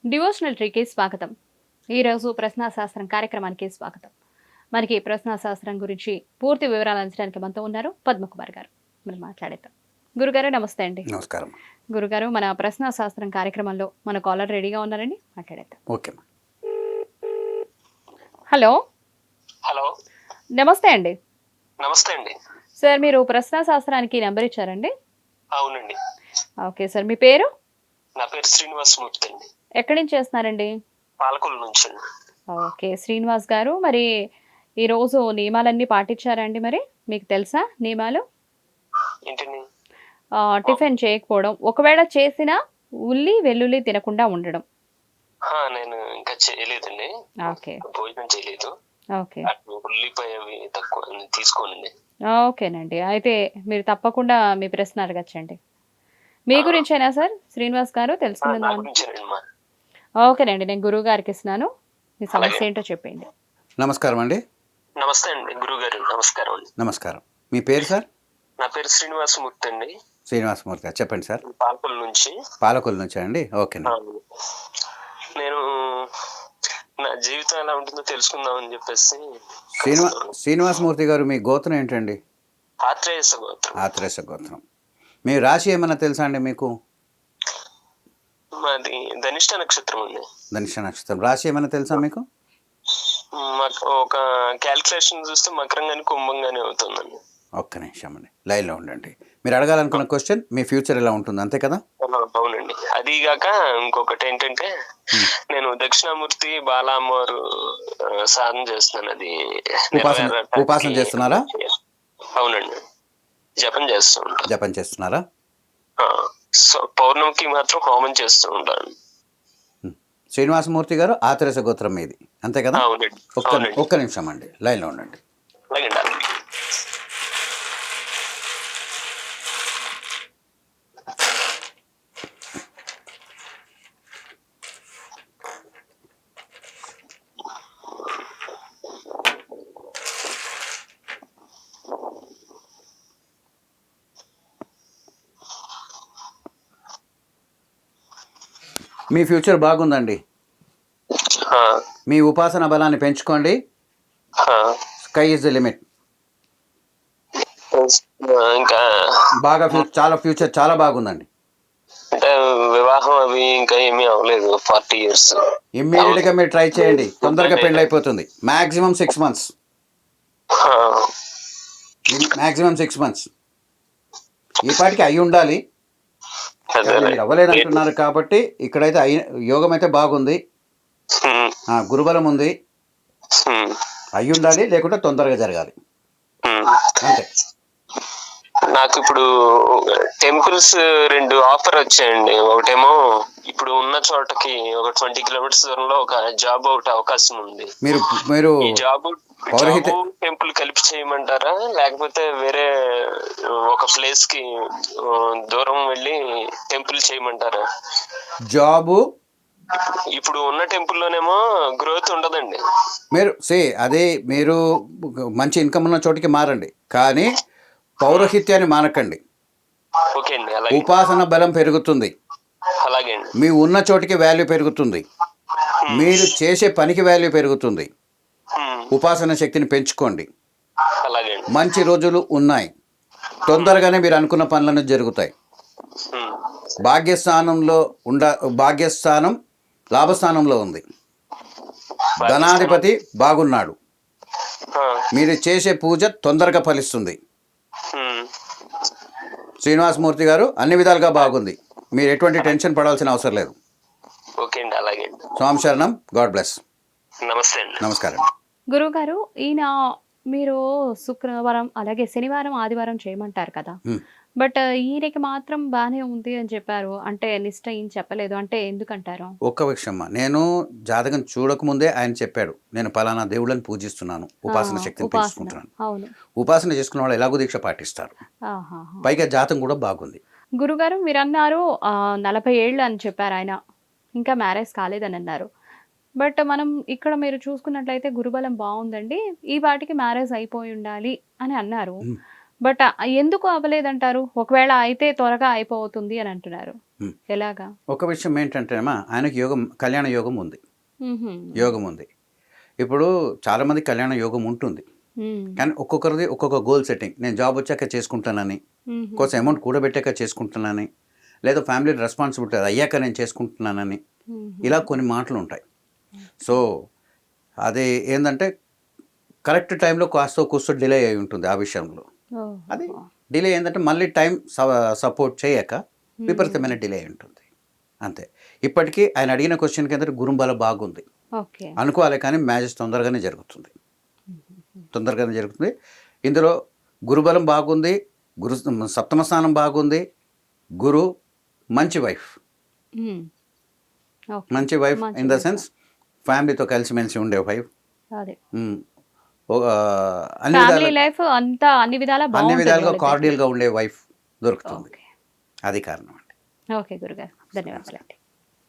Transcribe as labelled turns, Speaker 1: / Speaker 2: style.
Speaker 1: Devotional ట్రీకి స్వాగతం. ఈరోజు ప్రశ్నాశాస్త్రం కార్యక్రమానికి స్వాగతం. మనకి ప్రశ్నాశాస్త్రం గురించి పూర్తి వివరాలు అందించడానికి మనతో ఉన్నారు పద్మకుమార్ గారు. మనం మాట్లాడేద్దాం. గురుగారు నమస్తే అండి.
Speaker 2: నమస్కారం.
Speaker 1: గురుగారు, మన ప్రశ్నాశాస్త్రం కార్యక్రమంలో మన కాలర్ రెడీగా ఉన్నారండి, మాట్లాడేద్దాం.
Speaker 2: ఓకే.
Speaker 1: హలో.
Speaker 3: హలో,
Speaker 1: నమస్తే అండి.
Speaker 3: నమస్తే అండి.
Speaker 1: సార్, మీరు ప్రశ్నాశాస్త్రానికి నెంబర్ ఇచ్చారండి?
Speaker 3: అవునండి.
Speaker 1: ఓకే సార్, మీ పేరు?
Speaker 3: నా పేరు శ్రీనివాసమూర్తి అండి.
Speaker 1: ఎక్కడి నుంచి చేస్తున్నారండి?
Speaker 3: పాలకొల్లు నుంచి అండి.
Speaker 1: ఓకే శ్రీనివాస్ గారు, మరి ఈరోజు నియమాలన్నీ పాటించారండి? మరి మీకు తెలుసా నియమాలు?
Speaker 3: ఏంటండి?
Speaker 1: టిఫిన్ చేయకపోవడం, ఒకవేళ చేసినా ఉల్లి వెల్లుల్లి తినకుండా ఉండడం.
Speaker 3: నేను ఇంకా చేయలేదండి.
Speaker 1: ఓకే
Speaker 3: భోజనం చేయలేదు.
Speaker 1: ఓకే
Speaker 3: అటు ఉల్లిపాయ అవి తక్కువ తీసుకోనండి.
Speaker 1: ఓకేనండి, అయితే మీరు తప్పకుండా మీ ప్రశ్న అడగచ్చండి. మీ గురించేనా సార్ శ్రీనివాస్ గారు
Speaker 3: నా
Speaker 1: తెలుసుకుందాం?
Speaker 3: గురించేనండి మా.
Speaker 1: ఓకేనండి, నేను గురువు గారికి ఇస్తున్నాను. మీ సమస్య ఏంటో చెప్పండి.
Speaker 2: నమస్కారం అండి.
Speaker 3: నమస్తే అండి గురువు గారు. నమస్కారం అండి.
Speaker 2: నమస్కారం. మీ పేరు సార్?
Speaker 3: నా పేరు శ్రీనివాసమూర్తి అండి.
Speaker 2: శ్రీనివాసమూర్తి గారు, చెప్పండి సార్.
Speaker 3: పాలకొల్లు నుంచి.
Speaker 2: పాలకొల్లు నుంచా అండి? ఓకేనండి.
Speaker 3: నేను నా జీవితం ఎలా ఉంటుందో తెలుసుకుందామని చెప్పేసి.
Speaker 2: శ్రీనివాసమూర్తి గారు, మీ గోత్రం ఏంటండి?
Speaker 3: ఆత్రేయస గోత్రం.
Speaker 2: ఆత్రేయస గోత్రం. మీ రాశి ఏమన్నా తెలుసా అండి మీకు?
Speaker 3: మాది ధనిష్ట నక్షత్రం అండి.
Speaker 2: ధనిష్ట నక్షత్రం. రాశి ఏమన్నా తెలుసా మీకు?
Speaker 3: మాకు ఒక క్యాల్కులేషన్ చూస్తే మకరంగానే కుంభంగానే అవుతుందండి.
Speaker 2: ఒక్క నిమిషం అండి, లైన్లో ఉండండి. మీరు అడగాలనుకున్న క్వశ్చన్, మీ ఫ్యూచర్ ఎలా ఉంటుంది, అంతే కదా?
Speaker 3: అవునండి. అది కాక ఇంకొకటి ఏంటంటే, నేను దక్షిణామూర్తి బాలా అమ్మవారు సాధన చేస్తున్నాను. అది
Speaker 2: ఉపాసన చేస్తున్నారా?
Speaker 3: అవునండి, జపం చేస్తూ ఉంటాను.
Speaker 2: జపం చేస్తున్నారా?
Speaker 3: పౌర్ణమికి మాత్రం హోమం చేస్తూ ఉంటాను.
Speaker 2: శ్రీనివాసమూర్తి గారు, ఆత్రేయస గోత్రం మీది, అంతే కదా?
Speaker 3: అవునండి.
Speaker 2: ఒక్క నిమిషం అండి, లైన్లో ఉండండి.
Speaker 3: అలాగే.
Speaker 2: మీ ఫ్యూచర్ బాగుందండి. మీ ఉపాసన బలాన్ని పెంచుకోండి. Sky is the limit.
Speaker 3: ఇంకా
Speaker 2: బాగా చాలా ఫ్యూచర్ చాలా బాగుందండి.
Speaker 3: అంటే వివాహం అవి ఇంకా ఏమీ అవ్వలేదు. 40 years.
Speaker 2: ఇమ్మీడియట్ గా మీరు ట్రై చేయండి, తొందరగా పెళ్ళి అయిపోతుంది. Maximum 6 months. Maximum 6 months. ఈ పాటికి అయి ఉండాలి, మీరు అవ్వలేదు అంటున్నారు కాబట్టి ఇక్కడైతే యోగం అయితే బాగుంది, గురుబలం ఉంది. అయి ఉండాలి, లేకుంటే తొందరగా జరగాలి, అంతే.
Speaker 3: నాకు ఇప్పుడు టెంపుల్స్ 2 ఆఫర్ వచ్చాయండి. ఒకటేమో ఇప్పుడు ఉన్న చోటకి ఒక 20 kilometers దూరంలో ఒక జాబ్ ఒకటి అవకాశం ఉంది.
Speaker 2: మీరు
Speaker 3: ఈ జాబ్ టెంపుల్ కలిపి చేయమంటారా, లేకపోతే వేరే ఒక ప్లేస్ కి దూరం వెళ్ళి టెంపుల్ చేయమంటారా?
Speaker 2: జాబు
Speaker 3: ఇప్పుడు ఉన్న టెంపుల్ లోనేమో గ్రోత్ ఉండదండి.
Speaker 2: అదే మీరు మంచి ఇన్కమ్ ఉన్న చోటికి మారండి, కానీ పౌరోహిత్యాన్ని మానకండి. ఉపాసన బలం పెరుగుతుంది, మీ ఉన్న చోటికి వాల్యూ పెరుగుతుంది, మీరు చేసే పనికి వాల్యూ పెరుగుతుంది. ఉపాసన శక్తిని పెంచుకోండి. మంచి రోజులు ఉన్నాయి, తొందరగానే మీరు అనుకున్న పనులను జరుగుతాయి. భాగ్యస్థానం లాభస్థానంలో ఉంది, ధనాధిపతి బాగున్నాడు. మీరు చేసే పూజ తొందరగా ఫలిస్తుంది. శ్రీనివాసమూర్తి గారు, అన్ని విధాలుగా బాగుంది, మీరు ఎటువంటి టెన్షన్ పడాల్సిన అవసరం లేదు. స్వామి శరణం. God bless. నమస్కారం.
Speaker 1: గురువు గారు, ఈయన మీరు శుక్రవారం అలాగే శనివారం ఆదివారం చేయమంటారు కదా, బట్ ఈయనకి మాత్రం బాగానే ఉంది అని చెప్పారు. అంటే నిష్ట ఏం చెప్పలేదు, అంటే ఎందుకంటారు?
Speaker 2: ఒక్క విషయమ్మా, నేను జాతకం చూడకముందే ఆయన చెప్పాడు, నేను పలానా దేవుళ్ళని పూజిస్తున్నాను, ఉపాసన శక్తిని పెంచుకుంటున్నాను. ఉపాసన చేసుకున్న వాళ్ళు ఎలాగో దీక్ష పాటిస్తారు, పైగా జాతకం కూడా బాగుంది.
Speaker 1: గురుగారు, మీరు అన్నారు 40 ఏళ్ళు అని చెప్పారు ఆయన, ఇంకా మ్యారేజ్ కాలేదని అన్నారు. బట్ మనం ఇక్కడ మీరు చూసుకున్నట్లయితే గురుబలం బాగుందండి, ఈ వాటికి మ్యారేజ్ అయిపోయి ఉండాలి అని అన్నారు. బట్ ఎందుకు అవ్వలేదంటారు? ఒకవేళ అయితే త్వరగా అయిపోతుంది అని అంటున్నారు. ఎలాగా?
Speaker 2: ఒక విషయం ఏంటంటేమా ఆయనకి యోగం, కళ్యాణ యోగం ఉంది.
Speaker 1: హుహు.
Speaker 2: యోగం ఉంది. ఇప్పుడు చాలామంది కళ్యాణ యోగం ఉంటుంది.
Speaker 1: హ్మ్.
Speaker 2: కానీ ఒక్కొక్కరిది ఒక్కొక్క గోల్ సెట్టింగ్. నేను జాబ్ వచ్చాక చేసుకుంటానని,
Speaker 1: హుహు.
Speaker 2: కొంచెం అమౌంట్ కూడబెట్టాక చేసుకుంటున్నానని, లేదా ఫ్యామిలీ రెస్పాన్సిబిలిటీ అయ్యాక నేను చేసుకుంటున్నానని,
Speaker 1: హుహు.
Speaker 2: ఇలా కొన్ని మాటలు ఉంటాయి. సో అది ఏంటంటే కరెక్ట్ టైంలో కాస్త కూస్తో డిలే అయి ఉంటుంది ఆ విషయంలో. అది
Speaker 1: ఓహో!
Speaker 2: డిలే ఏంటంటే మళ్ళీ టైం సపోర్ట్ చేయక విపరీతమైన డిలే అయి ఉంటుంది అంతే. ఇప్పటికీ ఆయన అడిగిన క్వశ్చన్కి ఏంటంటే గురుబలం బాగుంది
Speaker 1: ఓకే.
Speaker 2: అనుకోవాలి, కానీ మ్యారేజ్ తొందరగానే జరుగుతుంది. తొందరగానే జరుగుతుంది. ఇందులో గురుబలం బాగుంది, గురు సప్తమ స్థానం బాగుంది, గురు మంచి వైఫ్,
Speaker 1: హ్మ్. ఓకే.
Speaker 2: మంచి వైఫ్
Speaker 1: మంచి
Speaker 2: ఇన్ ద
Speaker 1: వైఫ్.
Speaker 2: సెన్స్ ఫ్యామిలీతో కలిసిమెలిసి ఉండే వైఫ్,
Speaker 1: అదే.
Speaker 2: అన్ని
Speaker 1: ఫ్యామిలీ
Speaker 2: విధాలుగా
Speaker 1: లైఫ్ అంతా అన్ని విధాలా
Speaker 2: అన్ని
Speaker 1: బావుంటది
Speaker 2: విధాలుగా
Speaker 1: వాళ్ళిద్దరికి.
Speaker 2: కార్డియల్గా ఉండే వైఫ్ దొరుకుతుంది.
Speaker 1: ఓకే.
Speaker 2: అది కారణం అండి.
Speaker 1: ఓకే గురుగారు. ధన్యవాదాలండి.